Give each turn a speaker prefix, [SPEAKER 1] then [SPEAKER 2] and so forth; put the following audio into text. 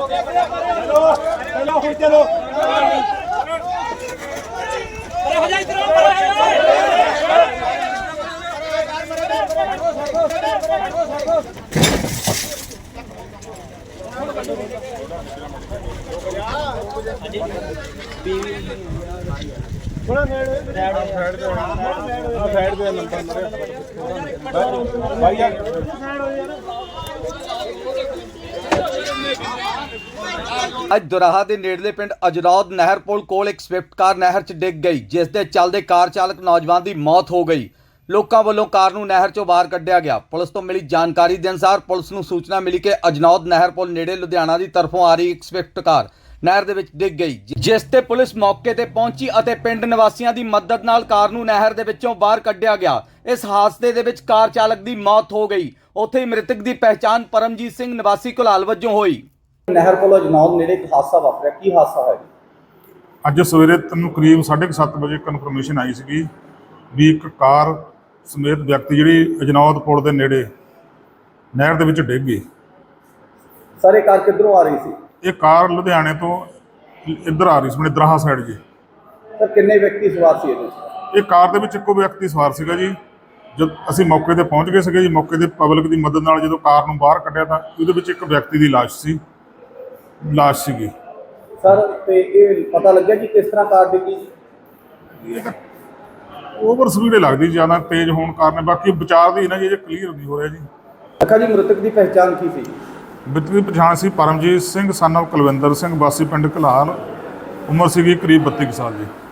[SPEAKER 1] ਅੱਜ ਦੁਰਾਹਾ ਦੇ ਨੇੜਲੇ ਪਿੰਡ ਅਜਨੌਦ ਨਹਿਰ ਪੁਲ ਕੋਲ ਇੱਕ ਸਵਿਫਟ ਕਾਰ ਨਹਿਰ 'ਚ ਡਿੱਗ ਗਈ, ਜਿਸ ਦੇ ਚੱਲਦੇ ਕਾਰ ਚਾਲਕ ਨੌਜਵਾਨ ਦੀ ਮੌਤ ਹੋ ਗਈ। ਲੋਕਾਂ ਵੱਲੋਂ ਕਾਰ ਨੂੰ ਨਹਿਰ 'ਚੋਂ ਬਾਹਰ ਕੱਢਿਆ ਗਿਆ। ਪੁਲਿਸ ਤੋਂ ਮਿਲੀ ਜਾਣਕਾਰੀ ਦੇ ਅਨੁਸਾਰ ਪੁਲਿਸ ਨੂੰ ਸੂਚਨਾ ਮਿਲੀ ਕਿ ਅਜਨੌਦ ਨਹਿਰ ਪੁਲ ਨੇੜੇ ਲੁਧਿਆਣਾ ਦੀ ਤਰਫੋਂ ਆ ਰਹੀ ਇੱਕ ਸਵਿਫਟ ਕਾਰ ਨਹਿਰ ਦੇ ਵਿੱਚ ਡਿੱਗ ਗਈ, ਜਿਸ ਤੇ ਪੁਲਿਸ ਮੌਕੇ ਤੇ ਪਹੁੰਚੀ ਅਤੇ ਪਿੰਡ ਨਿਵਾਸੀਆਂ ਦੀ ਮਦਦ ਨਾਲ ਕਾਰ ਨੂੰ ਨਹਿਰ ਦੇ ਵਿੱਚੋਂ ਬਾਹਰ ਕੱਢਿਆ ਗਿਆ। ਇਸ ਹਾਦਸੇ ਦੇ ਵਿੱਚ ਕਾਰ ਚਾਲਕ ਦੀ ਮੌਤ ਹੋ ਗਈ। ਉੱਥੇ ਹੀ ਮ੍ਰਿਤਕ ਦੀ ਪਹਿਚਾਣ ਪਰਮਜੀਤ ਸਿੰਘ ਨਿਵਾਸੀ ਘੁਲਾਲ ਵਜੋਂ ਹੋਈ। ਨਹਿਰ ਪੁਲ ਅਜਨੌਦ ਨੇੜੇ ਇੱਕ ਹਾਦਸਾ ਵਾਪਰਿਆ, ਕੀ ਹਾਦਸਾ ਹੋਇਆ?
[SPEAKER 2] ਅੱਜ ਸਵੇਰੇ ਤੈਨੂੰ ਕਰੀਬ 7:30 ਵਜੇ ਕਨਫਰਮੇਸ਼ਨ ਆਈ ਸੀਗੀ ਵੀ ਇੱਕ ਕਾਰ ਸਮੇਤ ਵਿਅਕਤੀ ਜਿਹੜੀ ਅਜਨੌਦ ਪੁਲ ਦੇ ਨੇੜੇ ਨਹਿਰ ਦੇ ਵਿੱਚ ਡਿੱਗ ਗਈ।
[SPEAKER 1] ਸਰ ਇਹ ਕਾਰ ਕਿੱਧਰੋਂ ਆ ਰਹੀ ਸੀ?
[SPEAKER 2] ਇਹ ਕਾਰ ਲੁਧਿਆਣੇ ਤੋਂ ਇੱਧਰ ਆ ਰਹੀ ਸੀ, ਆਪਣੇ ਦਰਾਹਾ ਸਾਈਡ ਜੀ।
[SPEAKER 1] ਸਰ ਕਿੰਨੇ ਵਿਅਕਤੀ ਸਵਾਰ ਸੀ ਇਹਦੇ ਵਿੱਚ?
[SPEAKER 2] ਇਹ ਕਾਰ ਦੇ ਵਿੱਚ ਇੱਕੋ ਵਿਅਕਤੀ ਸਵਾਰ ਸੀਗਾ ਜੀ। ਜਦ ਅਸੀਂ ਮੌਕੇ ਤੇ ਪਹੁੰਚ ਗਏ ਸੀਗੇ ਜੀ, ਮੌਕੇ ਤੇ ਪਬਲਿਕ ਦੀ ਮਦਦ ਨਾਲ ਜਦੋਂ ਕਾਰ ਨੂੰ ਬਾਹਰ ਕੱਢਿਆ ਤਾਂ ਉਹਦੇ ਵਿੱਚ ਇੱਕ ਵਿਅਕਤੀ ਦੀ ਲਾਸ਼ ਸੀਗੀ।
[SPEAKER 1] ਸਰ ਤੇ ਇਹ ਪਤਾ ਲੱਗਿਆ ਕਿ ਕਿਸ ਤਰ੍ਹਾਂ ਕਾਰ ਡਿੱਗੀ?
[SPEAKER 2] ਇਹ ਤਾਂ ਓਵਰ ਸਪੀਡ ਲੱਗਦੀ, ਜ਼ਿਆਦਾ ਤੇਜ਼ ਹੋਣ ਕਾਰਨ। ਬਾਕੀ ਵਿਚਾਰ ਦੀ ਨਾ ਜੀ, ਕਲੀਅਰ ਨਹੀਂ ਹੋ ਰਿਹਾ ਜੀ।
[SPEAKER 1] ਅੱਛਾ ਜੀ, ਮ੍ਰਿਤਕ ਦੀ ਪਹਿਚਾਣ ਕੀ ਸੀ?
[SPEAKER 2] ਮ੍ਰਿਤਕ ਦੀ ਪਛਾਣ ਸੀ ਪਰਮਜੀਤ ਸਿੰਘ ਸਨ ਆਫ ਕੁਲਵਿੰਦਰ ਸਿੰਘ, ਵਾਸੀ ਪਿੰਡ ਘੁਲਾਲ। ਉਮਰ ਸੀਗੀ ਕਰੀਬ 32 ਸਾਲ ਜੀ।